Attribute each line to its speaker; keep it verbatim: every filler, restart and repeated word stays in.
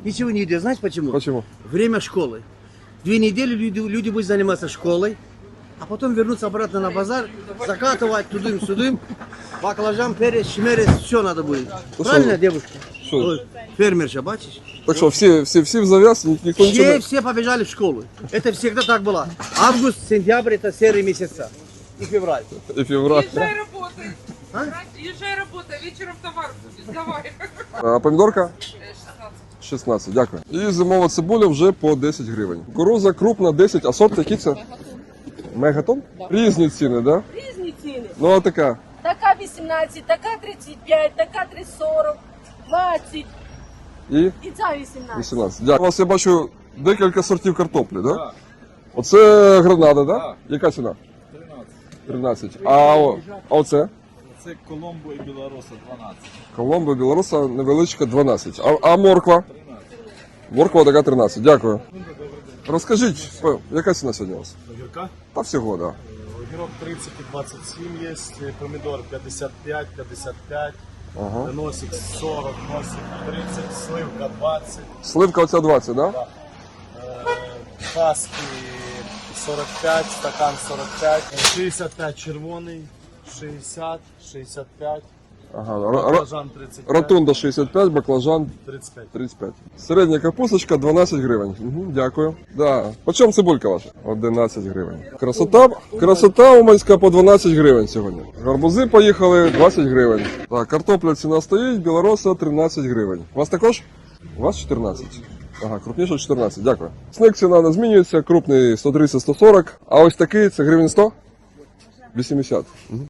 Speaker 1: Ничего не едят. Знаете почему?
Speaker 2: Почему?
Speaker 1: Время школы. Две недели люди, люди будут заниматься школой, а потом вернуться обратно на базар, закатывать тудым-сюдым, баклажан, перец, шмерец, все надо будет.
Speaker 2: Ну,
Speaker 1: Правильно,
Speaker 2: что?
Speaker 1: девушка?
Speaker 2: Что?
Speaker 1: Ой, фермерша, бачишь?
Speaker 2: Так что, все, все, все в завяз, ник- никто ничего
Speaker 1: Все,
Speaker 2: не...
Speaker 1: все побежали в школу. Это всегда так было. Август, сентябрь это серые месяца. И февраль.
Speaker 2: И февраль.
Speaker 3: Езжай работай.
Speaker 1: А?
Speaker 3: Езжай работай, вечером товар будет. Давай.
Speaker 2: А помідорка?
Speaker 3: шістнадцять.
Speaker 2: шістнадцять, дякую. І зимова цибуля вже по десять гривень. Кукуруза крупна десять, а сорт який це? Мегатон? Різні ціни, так? Да?
Speaker 4: Різні ціни.
Speaker 2: Ну а така?
Speaker 4: Така вісімнадцять, така тридцять п'ять, така три сорок, двадцять
Speaker 2: І
Speaker 4: і ця вісімнадцять.
Speaker 2: вісімнадцять. Дякую. У вас я бачу декілька сортів картоплі, так? Да? Оце гранада, так? Да? Яка ціна? тринадцять. А, о- а оце?
Speaker 5: Це Коломбо і Білоруса дванадцять.
Speaker 2: Коломбо, білоруса, невеличка дванадцять. А, а морква? Морква така тринадцять. Дякую. Розкажіть, п- яка ціна сьогодні у вас?
Speaker 5: Огірка?
Speaker 2: Та всього, так. Да.
Speaker 5: Огірок тридцять і двадцять сім є, помідор п'ятдесят п'ять, п'ятдесят п'ять,
Speaker 2: Ага.
Speaker 5: носик сорок, носик тридцять, сливка двадцять,
Speaker 2: Сливка оця двадцять, так? Да?
Speaker 5: е, паски сорок п'ять, стакан сорок п'ять, шістдесят п'ять червоний, шістдесят, шістдесят п'ять,
Speaker 2: Ага. Р- р-
Speaker 5: баклажан тридцять п'ять,
Speaker 2: Ротунда шістдесят п'ять, баклажан
Speaker 5: тридцять п'ять.
Speaker 2: тридцять п'ять. Середня капусточка дванадцять гривень. Угу, дякую. Да. По чому цибулька ваша? одинадцять гривень. Красота, красота уманська по дванадцять гривень сьогодні. Гарбузи поїхали двадцять гривень. Так, картопля ціна стоїть, білороса тринадцять гривень. У вас також? У вас чотирнадцять. Ага, крупніше чотирнадцять, дякую. Сник ціна не змінюється, крупний сто тридцять - сто сорок, а ось такий це гривень сто? вісімдесят. Угу.